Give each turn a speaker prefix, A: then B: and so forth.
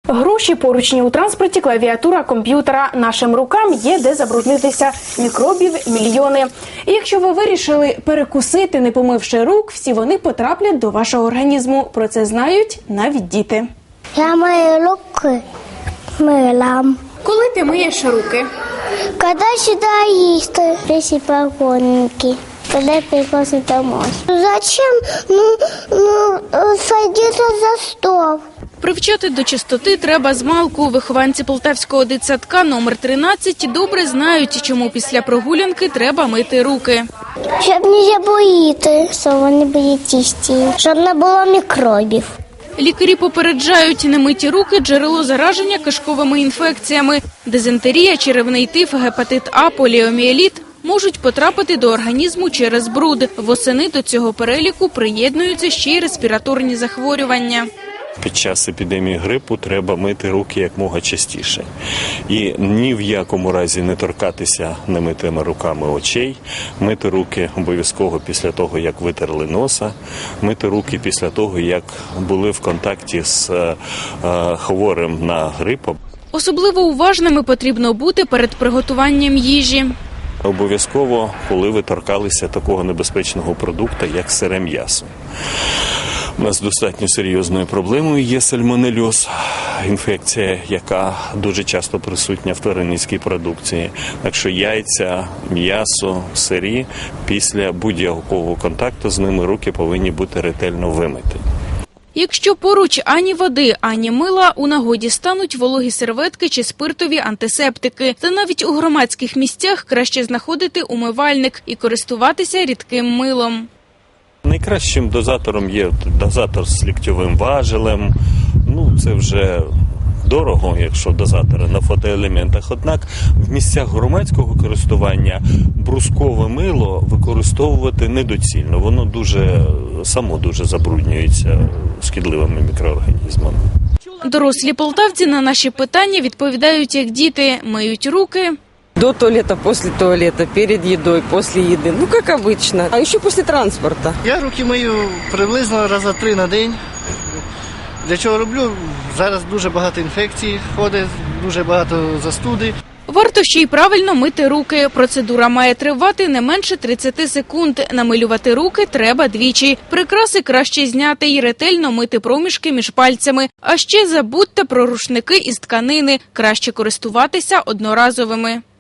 A: Гроші, поручні у транспорті, клавіатура комп'ютера. Нашим рукам є де забруднитися. Мікробів мільйони. І якщо ви вирішили перекусити, не помивши рук, всі вони потраплять до вашого організму. Про це знають навіть діти.
B: Я мою руки мила.
A: Коли ти миєш руки?
B: Когда сюда есть, если погонники. Когда приходишь домой. Зачем садиться за стол?
A: Привчати до чистоти треба змалку. Вихованці Полтавського дитсадка номер 13 добре знають, чому після прогулянки треба мити руки.
B: Щоб не забоїти, що вони були чисті, щоб не було мікробів.
A: Лікарі попереджають, немиті руки – джерело зараження кишковими інфекціями. Дизентерія, черевний тиф, гепатит А, поліомієліт можуть потрапити до організму через бруд. Восени до цього переліку приєднуються ще й респіраторні захворювання.
C: Під час епідемії грипу треба мити руки якомога частіше. І ні в якому разі не торкатися немитими руками очей, мити руки обов'язково після того, як витерли носа, мити руки після того, як були в контакті з хворим на грип.
A: Особливо уважними потрібно бути перед приготуванням їжі.
C: Обов'язково, коли ви торкалися такого небезпечного продукту, як сире м'ясо. У нас достатньо серйозною проблемою є сальмонельоз, інфекція, яка дуже часто присутня в тваринницькій продукції. Так що яйця, м'ясо, сирі, після будь-якого контакту з ними руки повинні бути ретельно вимиті.
A: Якщо поруч ані води, ані мила, у нагоді стануть вологі серветки чи спиртові антисептики. Та навіть у громадських місцях краще знаходити умивальник і користуватися рідким милом.
C: Найкращим дозатором є дозатор з ліктьовим важелем. Це вже дорого, якщо дозатори на фотоелементах. Однак в місцях громадського користування брускове мило використовувати недоцільно. Воно само дуже забруднюється шкідливими мікроорганізмами.
A: Дорослі полтавці на наші питання відповідають як діти. Миють руки
D: до туалета, после туалета, перед едой, после еды. Как обычно. А еще после транспорта.
E: Я руки мию приблизно раза 3 на день. Для чого роблю? Зараз дуже багато інфекцій ходить, дуже багато застуди.
A: Варто ще й правильно мити руки. Процедура має тривати не менше 30 секунд. Намилювати руки треба двічі. Прикраси краще зняти і ретельно мити проміжки між пальцями. А ще забудьте про рушники із тканини. Краще користуватися одноразовими.